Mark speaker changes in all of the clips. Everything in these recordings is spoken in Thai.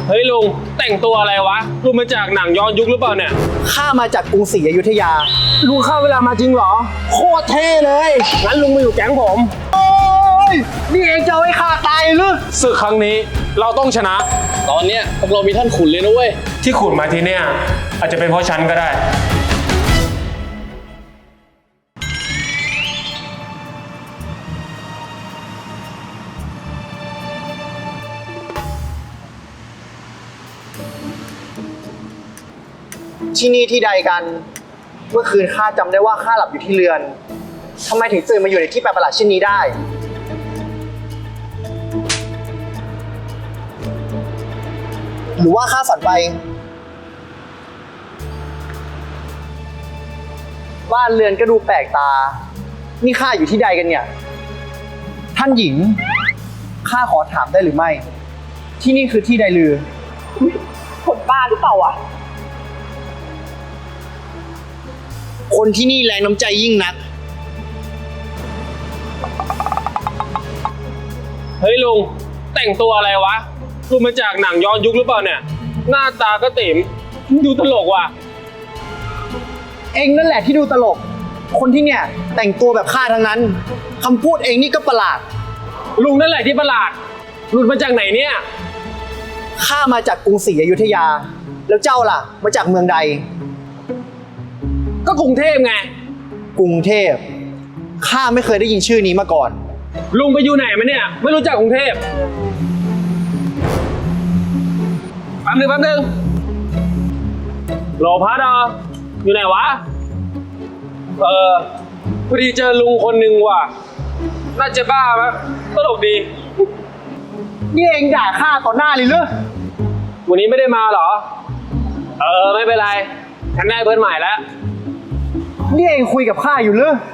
Speaker 1: เฮ้ยลุงแต่งตัวอะไรวะลุงมาจากหนังย้อนยุคหรือเปล่าเนี่ย
Speaker 2: ข้ามาจากกรุงศรีอยุธยา
Speaker 1: ลุงเข้าเวลามาจริงเหรอ
Speaker 2: โคตรเท่เลย
Speaker 1: งั้นลุงมาอยู่แก๊งผม
Speaker 2: โอ้ยนี่เองจะเอาให้ข้าตายหรือ
Speaker 1: ศึกครั้งนี้เราต้องชนะ
Speaker 3: ตอนเนี้ยพวกเรามีท่านขุนเลยนะเว้ย
Speaker 1: ที่ขุนมาที่เนี่ยอาจจะเป็นเพราะฉันก็ได้
Speaker 2: ที่นี่ที่ใดกันเมื่อคืนข้าจำได้ว่าข้าหลับอยู่ที่เรือนทำไมถึงตื่นมาอยู่ในที่แปลกประหลาดเช่นนี้ได้หรือว่าข้าฝันไปบ้านเรือนก็ดูแปลกตานี่ข้าอยู่ที่ใดกันเนี่ยท่านหญิงข้าขอถามได้หรือไม่ที่นี่คือที่ใดลือ
Speaker 4: คนบ้าหรือเปล่าวะ
Speaker 2: คนที่นี่แรงน้ำใจยิ่งนัก
Speaker 1: เฮ้ยลุงแต่งตัวอะไรวะลุงมาจากหนังย้อนยุคหรือเปล่าเนี่ยหน้าตาก็ติ๋มดูตลกว่ะ
Speaker 2: เองนั่นแหละที่ดูตลกคนที่เนี่ยแต่งตัวแบบข้าทั้งนั้นคำพูดเองนี่ก็ประหลาด
Speaker 1: ลุงนั่นแหละที่ประหลาดลุงมาจากไหนเนี่ย
Speaker 2: ข้ามาจากกรุงศรีอยุธยาแล้วเจ้าล่ะมาจากเมืองใด
Speaker 1: ก็กรุงเทพไง
Speaker 2: กรุงเทพข้าไม่เคยได้ยินชื่อนี้มาก่อน
Speaker 1: ลุงไปอยู่ไหนมาเนี่ยไม่รู้จักกรุงเทพแป๊บนึงโหลพัดอยู่ไหนวะพอดีเจอลุงคนหนึ่งว่ะน่าจะบ้ามั้ยตลกดี
Speaker 2: นี่เองด่าข้าต่อหน้าเลยเหรอ
Speaker 1: วันนี้ไม่ได้มาเหรอไม่เป็นไรฉันได้เพื่อนใหม่แล้ว
Speaker 2: นี่เองคุยกับข้าอยู่เหรอ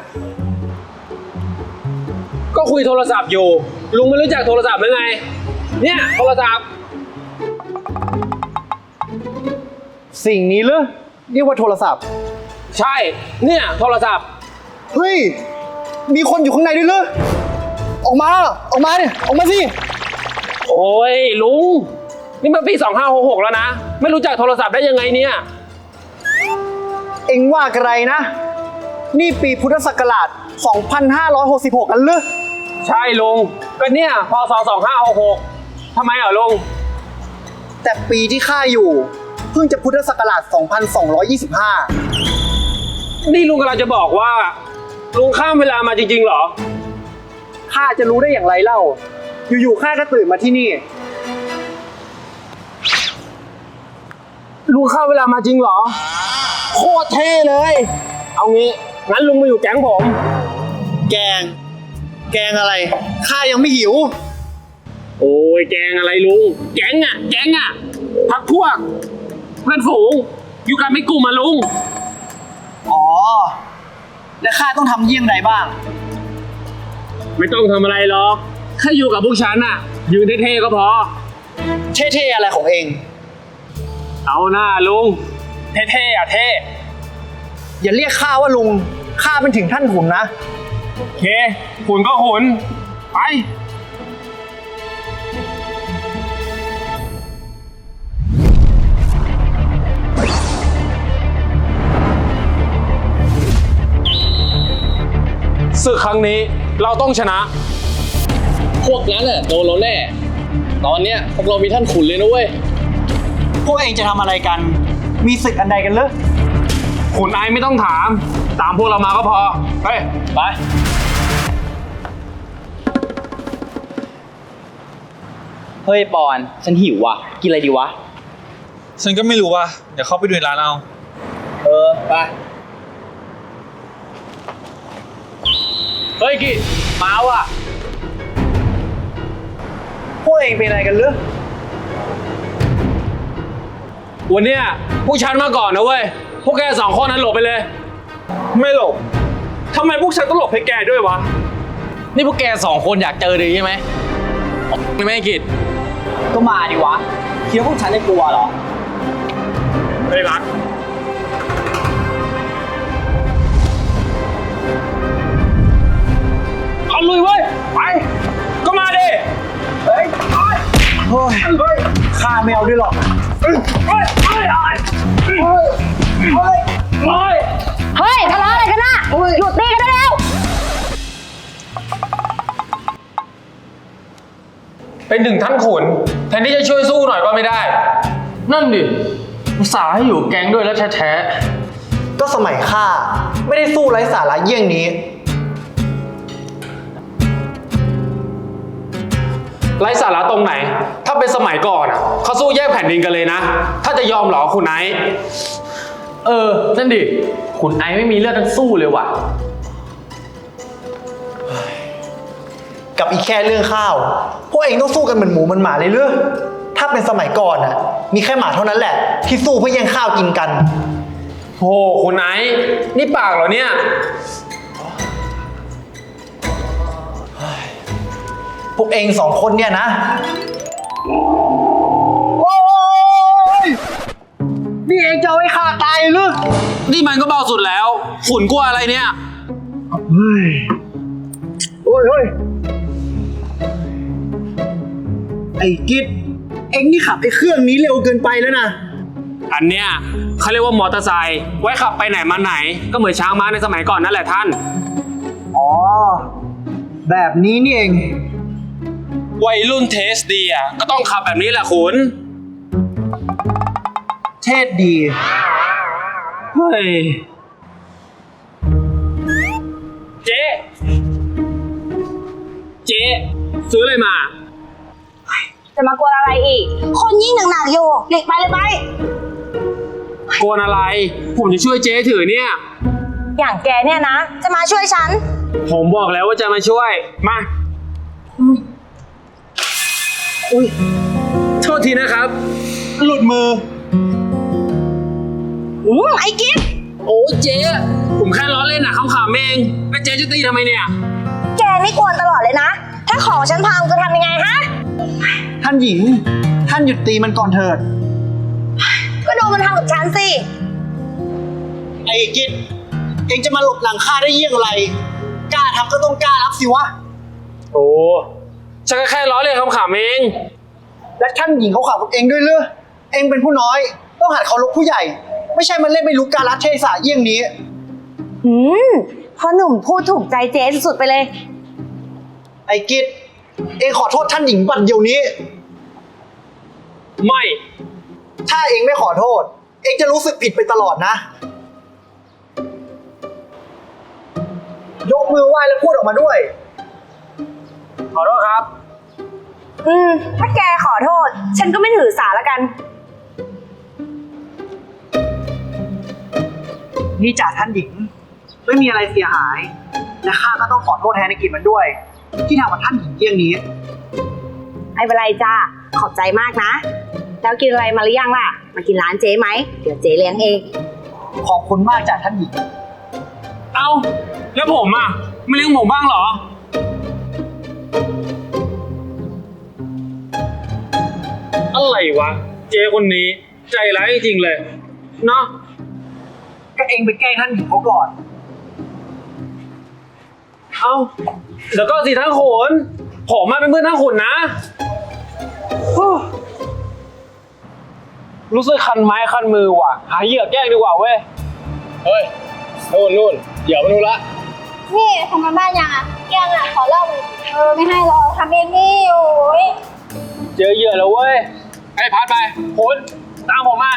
Speaker 1: ก็คุยโทรศัพท์อยู่ลุงไม่รู้จักโทรศัพท์หรือไงเนี่ยโทรศัพท์
Speaker 2: สิ่งนี้เหรอเรียกว่าโทรศัพท์
Speaker 1: ใช่เนี่ยโทรศัพท์
Speaker 2: เฮ้ยมีคนอยู่ข้างในด้วยเหรอออกมาเนี่ยออกมาสิ
Speaker 1: โอ้ยลุงนี่มันปี2566แล้วนะไม่รู้จักโทรศัพท์ได้ยังไงเนี่ย
Speaker 2: เอ็งว่าอะไรนะนี่ปีพุทธศักราช2566กันหรือ
Speaker 1: ใช่ลุงก็เนี่ยพศ2566ทำไมอ่ะลุง
Speaker 2: แต่ปีที่ข้าอยู่เพิ่งจะพุทธศักราช2225
Speaker 1: นี่ลุงกำลังจะบอกว่าลุงข้ามเวลามาจริงๆเหรอ
Speaker 2: ข้าจะรู้ได้อย่างไรเล่าอยู่ๆข้าก็ตื่นมาที่นี่
Speaker 1: ลุงข้ามเวลามาจริงเหรอ
Speaker 2: โคตรเท่เลย
Speaker 1: เอางี้งั้นลุงมาอยู่แก๊งผม
Speaker 2: แกงอะไรข้ายังไม่หิว
Speaker 1: โอ้ยแกงอะไรลุงแก๊งอ่ะพักพวกเพื่อนฝูงอยู่กันไม่กลุ่มมาลุง
Speaker 2: อ๋อแล้วข้าต้องทำเยี่ยงใดบ้าง
Speaker 1: ไม่ต้องทำอะไรหรอกแค่อยู่กับพวกฉันน่ะยืนเท่ๆก็พอ
Speaker 2: เท่ๆอะไรของเอง
Speaker 1: เอาหน้าลุงเท่ๆอ่ะเท่
Speaker 2: อย่าเรียกข้าว่าลุงข้าเป็นถึงท่านขุนนะ
Speaker 1: โอเคขุนก็ขุนไปศึกครั้งนี้เราต้องชนะ
Speaker 3: พวกนั้นน่ะโดนเราแน่ตอนเนี้ยพวกเรามีท่านขุนเลยนะเว้ย
Speaker 2: พวกเองจะทำอะไรกันมีศึกอันใดกันเหรอ
Speaker 1: ขุนไอไม่ต้องถามตามพวกเรามาก็พอไป
Speaker 3: เฮ้ยปอนฉันหิวว่ะกินอะไรดีวะ
Speaker 5: ฉันก็ไม่รู้ว่ะเดี๋ยวเข้าไปดูในร้านเอา
Speaker 3: ไป
Speaker 1: เฮ้ยกิมาว่ะ
Speaker 2: พวกเองเป็นอะไรกันเหรอ
Speaker 1: วันเนี้ยพวกฉันมาก่อนนะเว้ยพวกแก2 คนนั้นหลบไปเลย
Speaker 5: ไม่หลบ
Speaker 1: ทำไมพวกฉันต้องหลบให้แกด้วยวะ
Speaker 3: นี่พวกแก2 คนอยากเจอดีใช่ไหมไม่กิจ
Speaker 2: ก็มาดิวะคิดว่าพวกฉันจะกลัวเหรอ
Speaker 1: ไม่รักเอาลุยเว้ยไปก็มาดิเฮ้ยไป
Speaker 2: เฮ้ยข้าไม่เอาด้วยหรอก
Speaker 6: เฮ้ยทะเลาะอะไรกันน่ะหยุดตีกันได้แล้ว
Speaker 3: เป็นถึงท่านขุนแทนที่จะช่วยสู้หน่อยก็ไม่ได้ นั่นดิอุตส่าห์ให้อยู่แก๊งด้วยแล้วแท้
Speaker 2: ก็สมัยข้าไม่ได้สู้ไร้สาระเยี่ยงนี้
Speaker 1: ไร้สาระตรงไหน ถ้าเป็นสมัยก่อนอะเขาสู้แยกแผ่นดินกันเลยนะ ถ้าจะยอมเหรอคุณไนท์
Speaker 3: ๆนั่นดิขุนไอไม่มีเลือดทั้งสู้เลยว่ะ
Speaker 2: กับอีกแค่เรื่องข้าว พวกเองต้องสู้กันเหมือนหมูเหมือนหมาเลยหรือถ้าเป็นสมัยก่อนน่ะ มีแค่หมาเท่านั้นแหละ ที่สู้เพื่อแย่งข้าวกินกัน
Speaker 1: โอ้คุณไนท์นี่ปากเหรอเนี่ย
Speaker 2: พวกเองสองคนเนี่ยนะ โอ้ยนี่เองจะเอาให้ข้าตายหรือ
Speaker 1: นี่มันก็เบาสุดแล้วขุนกลัวอะไรเนี่ย
Speaker 2: เฮ้ยโอ้ยเฮ้ยไอ้กิจเอ็งนี่ขับไอ้เครื่องนี้เร็วเกินไปแล้วนะ
Speaker 1: อันเนี้ยเขาเรียกว่ามอเตอร์ไซค์ไว้ขับไปไหนมาไหน ก็เหมือนช้างม้าในสมัยก่อนนั่นแหละท่าน
Speaker 2: อ๋อ แบบนี้นี่เอง
Speaker 1: วัยรุ่นเทสดีอ่ะก็ต้องขับแบบนี้แหละขุน
Speaker 2: เทศดี
Speaker 1: เฮ้ยเจ๊ซื้ออะไรมา
Speaker 6: จะมากวนอะไรอีก คนยิ่งหนักๆอยู่หลีกไปเลยไป
Speaker 1: โกนอะไร ผมจะช่วยเจ๊ถือเนี่ย
Speaker 6: อย่างแกเนี่ยนะ จะมาช่วยฉัน
Speaker 1: ผมบอกแล้วว่าจะมาช่วย มา
Speaker 2: อุ้ย
Speaker 1: โทษทีนะครับ
Speaker 2: หลุดมือ
Speaker 6: ไอ้กิ๊ฟ
Speaker 1: โอ้เจ๊ผมแค่ล้อเล่นนะขำๆเองแล้วเจ๊จะตีทำไมเนี่ย
Speaker 6: แกนี่กวนตลอดเลยนะ ถ้าของฉันพังจะทำยังไงฮะ
Speaker 2: ท่านหญิง ท่านหยุดตีมันก่อนเถิด
Speaker 6: ก็ดูมันทำกับฉันสิ
Speaker 2: ไอ้กิจเองจะมาหลบหลังข้าได้เยี่ยงไร กล้าทำก็ต้องกล้ารับสิวะ
Speaker 1: โอ้ฉันก็แค่ล้อเล่นขำๆเอง
Speaker 2: และท่านหญิงเขาขับกับเองด้วยเรือเองเป็นผู้น้อย ต้องหัดเคารพผู้ใหญ่ ไม่ใช่มาเล่นไม่รู้กาลเทศะเยี่ยงนี้
Speaker 6: พ่อหนุ่มพูดถูกใจเจ๊สุดๆไปเลย
Speaker 2: ไอ้กิจเองขอโทษท่านหญิงบัดเดี๋ยวนี้
Speaker 1: ไม่
Speaker 2: ถ้าเองไม่ขอโทษ เองจะรู้สึกผิดไปตลอดนะ ยกมือไหว้แล้วพูดออกมาด้วย
Speaker 1: ขอโทษครับ
Speaker 6: ถ้าแกขอโทษ ฉันก็ไม่ถือสาละกัน
Speaker 2: นี่จ่าท่านหญิง ไม่มีอะไรเสียหาย และข้าก็ต้องขอโทษแทนไอ้กิจมันด้วย ที่ทำกับท่านหญิงเยี่ยงนี้
Speaker 6: ไม่เป็นไรจ้าขอบใจมากนะ แล้วกินอะไรมาหรือยังล่ะ มากินร้านเจ๊ไหม เดี๋ยวเจ๊เลี้ยงเอง
Speaker 2: ขอบคุณมากจ่าท่านหญิง
Speaker 1: เอ้า แล้วผมอ่ะ ไม่เลี้ยงผมบ้างเหรอ อะไรวะ เจ๊คนนี้ ใจร้ายจริงๆเลย เนาะ
Speaker 2: ก็เองไปแกล้งท่านหญิงเขาก่อน
Speaker 1: เอ้า เดี๋ยวก็สิทั้งโขน ผมมาเป็นเพื่อนทั้งขุนนะรู้สึกคันไม้คันมือว่ะ หาเหยื่อแกล้งดีกว่าเว้ย
Speaker 3: เฮ้ยนู่นเดี๋ยวมาดูละ
Speaker 7: นี่ทำกันบ้านยังอ่ะยังอ่ะ ขอเล่าเลยไม่ให้หรอกทำเองนี่โอ้ย
Speaker 1: เจอเหยื่อแล้วเว้ย ให้พัดไปขุนตามผมมา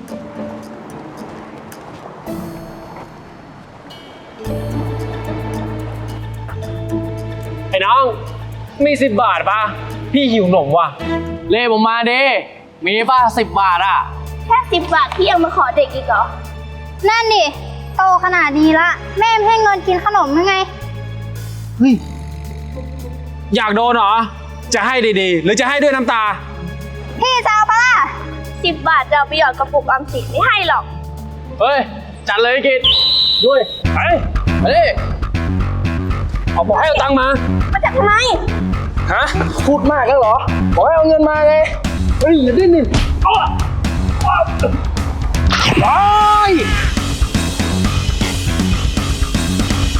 Speaker 1: ไอ้น้อง มี10 บาทป่ะ พี่หิวหนมว่ะ
Speaker 3: เล่ผมมาเด้มีป่ะ10 บาทอ่ะ
Speaker 7: แค่10 บาทพี่ยังมาขอเด็กอีกเหรอ นั่นดิโตขนาดนี้ละ แม่ไม่ให้เงินกินขนมยังไง
Speaker 2: เฮ้ย
Speaker 1: อยากโดนเหรอ จะให้ดีๆ หรือจะให้ด้วยน้ำตา
Speaker 7: พี่จะเอาปะล่ะ10 บาทจะเอาไปหยอดกระปุกออมสินไม่ให้หรอก
Speaker 3: เฮ้ย จัดเลยกิจด้วย ไปดิ
Speaker 1: เอาบอกให้เอาตังค์มา
Speaker 7: มาจับทำไม
Speaker 1: ฮะ
Speaker 3: พูดมากแล้วเหรอ บอกให้เอาเงินมาไง เฮ้ย อย่าดิ้นดิ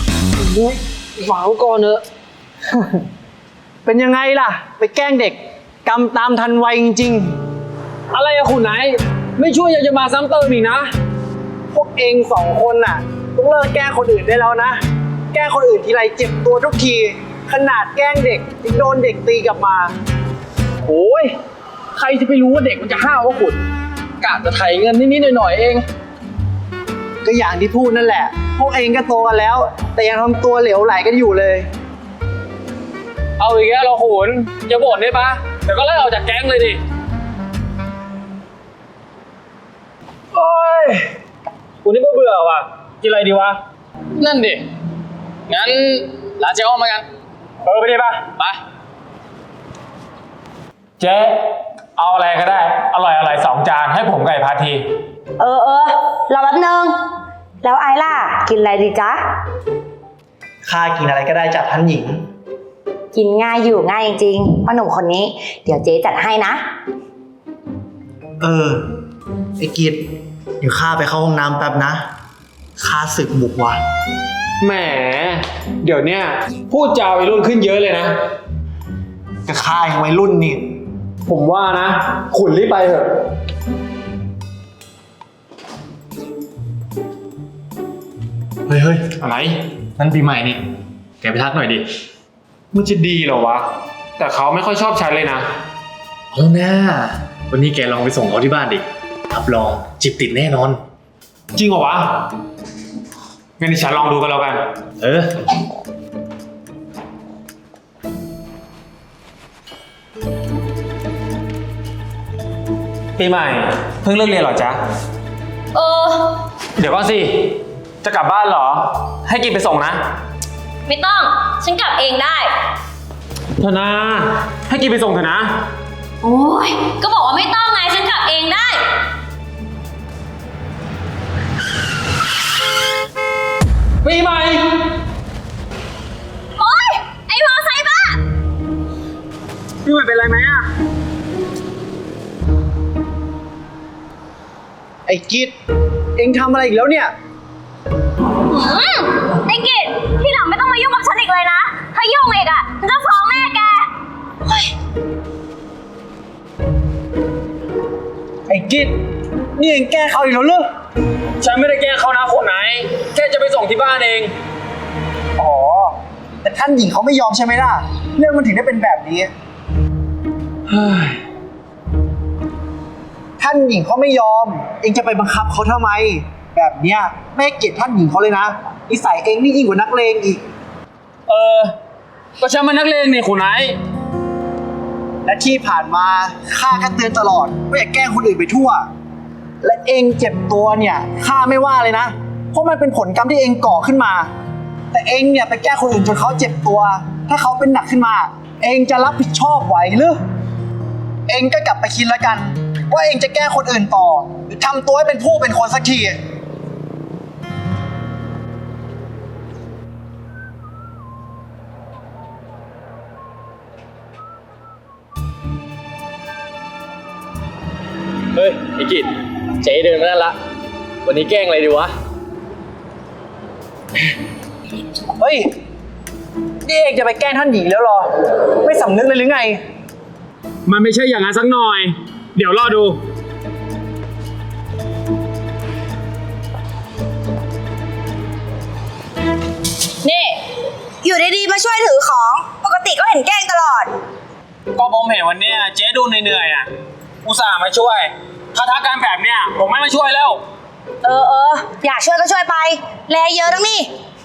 Speaker 2: ฝังก่อนเนอะ เป็นยังไงล่ะ ไปแกล้งเด็กกรรมตามทันไวจริง
Speaker 3: อะไรอะคุณไหน ไม่ช่วยยังจะมาซ้ำเติมอีกนะ
Speaker 2: ๆ พวกเองสองคนน่ะต้องเลิกแกล้งคนอื่นได้แล้วนะ แกล้งคนอื่นทีไรเจ็บตัวทุกที ขนาดแกล้งเด็กยังโดนเด็กตีกลับมา
Speaker 3: โอ้ย ใครจะไปรู้ว่าเด็กมันจะห้าวว่าคุณกะจะไถเงินนิดๆหน่อยๆเอง
Speaker 2: ก็อย่างที่พูดนั่นแหละ พวกเองก็โตกันแล้ว แต่ยังทำตัวเหลวไหลกันอยู่เลย
Speaker 3: เอาอีกแล้วเราขุนจะบ่นได้ปะเดี๋ยวก็ไล่ออกจากแก๊งเลยดิ โอ้ยกูนี่เบื่อว่ะ กินอะไรดีวะ นั่นดิ งั้นลาเจ๊อ้อมมากัน ไปดิปะไป เจ๊เอาอะไรก็ได้ อร่อย2 จานให้ผมกับไอ้พาที
Speaker 6: เออรอแป๊บนึง แล้วไอล่ะ กินอะไรดีจ๊ะ
Speaker 2: ข้ากินอะไรก็ได้จากท่านหญิง
Speaker 6: กินง่ายอยู่ง่ายจริงๆพ่อหนุ่มคนนี้ เดี๋ยวเจ๊จัดให้นะ
Speaker 2: ไอ้กิจเดี๋ยวข้าไปเข้าห้องน้ำแป๊บนะข้าศึกบุกว่ะ
Speaker 3: แหม เดี๋ยวเนี้ยพูดจาวัยรุ่นขึ้นเยอะเลยนะ
Speaker 2: ก็ข้ายังวัยรุ่นนี่
Speaker 3: ผมว่านะ ขุนรีบไปเถอะ
Speaker 2: เฮ้ย
Speaker 3: อะไร นั่นปีใหม่นี่ แกไปทักหน่อยดิ มันจะดีเหรอวะ แต่เขาไม่ค่อยชอบฉันเลยนะ
Speaker 8: เอาหน้าวันนี้แกลองไปส่งเขาที่บ้านดิรับรองจีบติดแน่นอน
Speaker 3: จริงเหรอวะ งั้นเดี๋ยวฉันลองดูกันแล้วกัน
Speaker 8: เออ
Speaker 3: ปีใหม่ เพิ่งเลิกเรียนเหรอจ๊ะ เดี๋ยวก่อนสิ จะกลับบ้านเหรอ ให้กินไปส่งนะ
Speaker 9: ไม่ต้อง ฉันกลับเองได้
Speaker 3: เถอะนะ ให้กินไปส่งเถอะนะ
Speaker 9: โอ้ย ก็บอกว่าไม่ต้องไง ฉันกลับเองได้
Speaker 3: ปีใหม่
Speaker 9: โอ๊ย ไอ้มอไซค์บ้า
Speaker 3: ปีใหม่เป็นไรไหมอะ
Speaker 2: ไอ้กิจเอ็งทำอะไรอีกแล้วเนี่ย
Speaker 9: ไอ้กิจที่หลังไม่ต้องมายุ่งกับฉันอีกเลยนะ ถ้ายุ่งอีกอ่ะฉันจะฟ้องแม่แก
Speaker 2: ไอ้กิจนี่เอ็งแก้เขาอีกแล้วเหรอ
Speaker 3: ฉันไม่ได้แกล้งเขานะคนไหน แค่จะไปส่งที่บ้านเอง
Speaker 2: อ๋อ แต่ท่านหญิงเขาไม่ยอมใช่ไหมล่ะ เรื่องมันถึงได้เป็นแบบนี้ ท่านหญิงเขาไม่ยอม เองจะไปบังคับเขาทำไม แบบเนี้ยไม่ให้เกียรติท่านหญิงเขาเลยนะนิสัยเองนี่ยิ่งกว่านักเลงอีก
Speaker 3: ก็ฉันมันนักเลงนี่คุณไหน
Speaker 2: และที่ผ่านมาข้าก็เตือนตลอดว่าอย่าแกล้งคนอื่นไปทั่ว และเองเจ็บตัวเนี่ยข้าไม่ว่าเลยนะ เพราะมันเป็นผลกรรมที่เองก่อขึ้นมา แต่เองเนี่ยไปแกล้งคนอื่นจนเขาเจ็บตัว ถ้าเขาเป็นหนักขึ้นมา เองจะรับผิดชอบไหวหรือเองก็กลับไปคิดแล้วกัน ว่าเองจะแกล้งคนอื่นต่อ หรือทำตัวให้เป็นผู้เป็นคนสักที
Speaker 3: เฮ้ยไอ้กิจเจ๊เดินมานั่นละ วันนี้แกล้งอะไรดีวะ
Speaker 2: เฮ้ย นี่เองจะไปแกล้งท่านหญิงแล้วเหรอ ไม่สำนึกเลยหรือไง
Speaker 1: มันไม่ใช่อย่างนั้นสักหน่อย เดี๋ยวรอดู
Speaker 6: นี่ อยู่ดีๆมาช่วยถือของ ปกติก็เห็นแกล้งตลอด
Speaker 3: ก็ผมเห็นวันเนี้ยเจ๊ดูเหนื่อยๆอ่ะ อุตส่าห์มาช่วย ถ้าทักการแบบเนี้ยผมไม่มาช่วยแล้ว
Speaker 6: อยากช่วยก็ช่วยไป แลเยอะทั้งนี่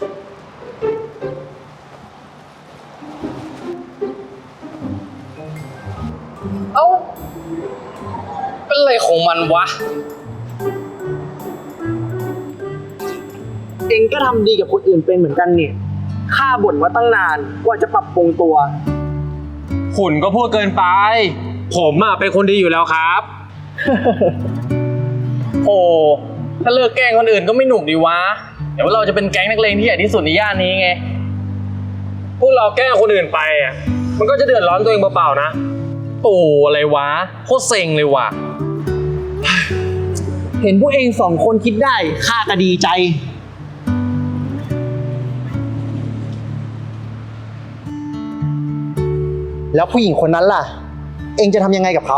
Speaker 3: เอ้า เป็นอะไรของมันวะ
Speaker 2: เองก็ทำดีกับคนอื่นเป็นเหมือนกันเนี่ยข้าบ่นว่าตั้งนานกว่าจะปรับปรุงตัว
Speaker 3: ขุนก็พูดเกินไป ผมอ่ะเป็นคนดีอยู่แล้วครับ โอ้ถ้าเลิกแกล้งคนอื่นก็ไม่หนุกดีวะ เดี๋ยวเราจะเป็นแก๊งนักเลงที่ใหญ่ที่สุดในย่านนี้ไง พวกเราแกล้งคนอื่นไปอ่ะ มันก็จะเดือดร้อนตัวเองเปล่าๆนะโอ้อะไรวะ โคตรเซ็งเลยว่ะ
Speaker 2: เห็นพวกเองสองคนคิดได้ข้าก็ดีใจ แล้วผู้หญิงคนนั้นล่ะเองจะทำยังไงกับเขา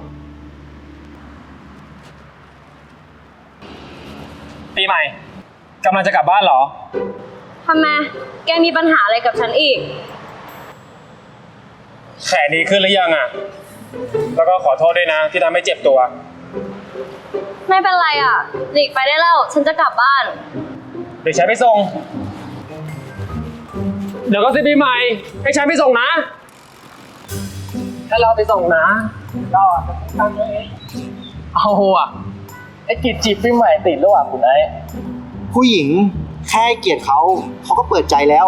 Speaker 3: ปีใหม่กำลังจะกลับบ้านเหรอ
Speaker 9: ทำไม แกมีปัญหาอะไรกับฉันอีก
Speaker 3: แขนดีขึ้นหรือยังอ่ะ แล้วก็ขอโทษด้วยนะที่ทำให้เจ็บตัว
Speaker 9: ไม่เป็นไรอ่ะ หลีกไปได้แล้ว ฉันจะกลับบ้าน
Speaker 3: เดี๋ยวฉันไปส่ง
Speaker 1: เดี๋ยวก็สิปีใหม่ ให้ฉันไปส่งนะ
Speaker 3: ถ้าเราไปส่งนะรอดตั้งไว้เอาอ่ะ ไอ้กิจจีบปีใหม่ติดแล้วอ่ะคุณไอ้
Speaker 2: ผู้หญิงแค่ให้เกียรติเขาก็เปิดใจแล้ว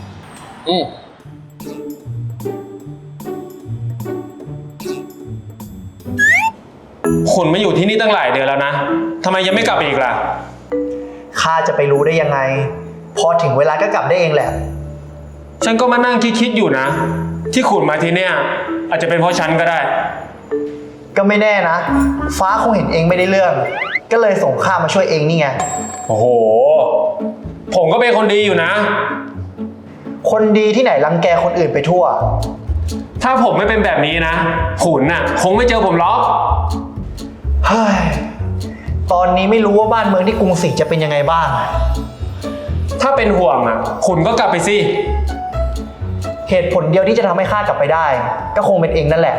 Speaker 3: คุณมาอยู่ที่นี่ตั้งหลายเดือนแล้วนะทำไมยังไม่กลับอีกล่ะ
Speaker 2: ข้าจะไปรู้ได้ยังไง พอถึงเวลาก็กลับได้เองแหละ
Speaker 3: ฉันก็มานั่งคิดอยู่นะ ที่ขุนมาที่เนี่ยอาจจะเป็นเพราะฉันก็ได้
Speaker 2: ก็ไม่แน่นะ ฟ้าคงเห็นเองไม่ได้เรื่อง ก็เลยส่งข้ามาช่วยเองนี่ไง
Speaker 3: โอ้โห ผมก็เป็นคนดีอยู่นะ
Speaker 2: คนดีที่ไหนรังแกคนอื่นไปทั่ว
Speaker 3: ถ้าผมไม่เป็นแบบนี้นะขุนน่ะคงไม่เจอผมหรอก
Speaker 2: เฮ้ย ตอนนี้ไม่รู้ว่าบ้านเมืองที่กรุงศรีจะเป็นยังไงบ้าง
Speaker 3: ถ้าเป็นห่วงอ่ะขุนก็กลับไปสิ
Speaker 2: เหตุผลเดียวที่จะทำให้ข้ากลับไปได้ ก็คงเป็นเองนั่นแหละ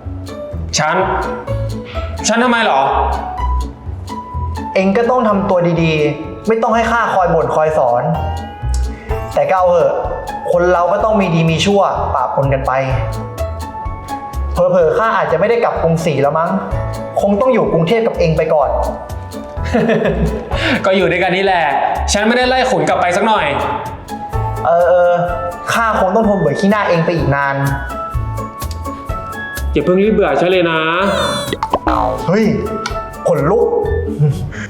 Speaker 3: ฉันทำไมหรอ
Speaker 2: เองก็ต้องทำตัวดีๆ ไม่ต้องให้ข้าคอยบ่นคอยสอน แต่ก็เอาเถอะ คนเราก็ต้องมีดีมีชั่วปะปนกันไป เผลอๆข้าอาจจะไม่ได้กลับกรุงศรีแล้วมั้ง คงต้องอยู่กรุงเทพกับเองไปก่อน
Speaker 3: ก็อยู่ด้วยกันนี่แหละ ฉันไม่ได้ไล่ขุนกลับไปสักหน่อย
Speaker 2: ข้าคงต้องทนเบื่อขี้หน้าเองไปอีกนาน
Speaker 3: อย่าเพิ่งรีบเบื่อฉันเลยนะ
Speaker 2: เฮ้ยขนลุก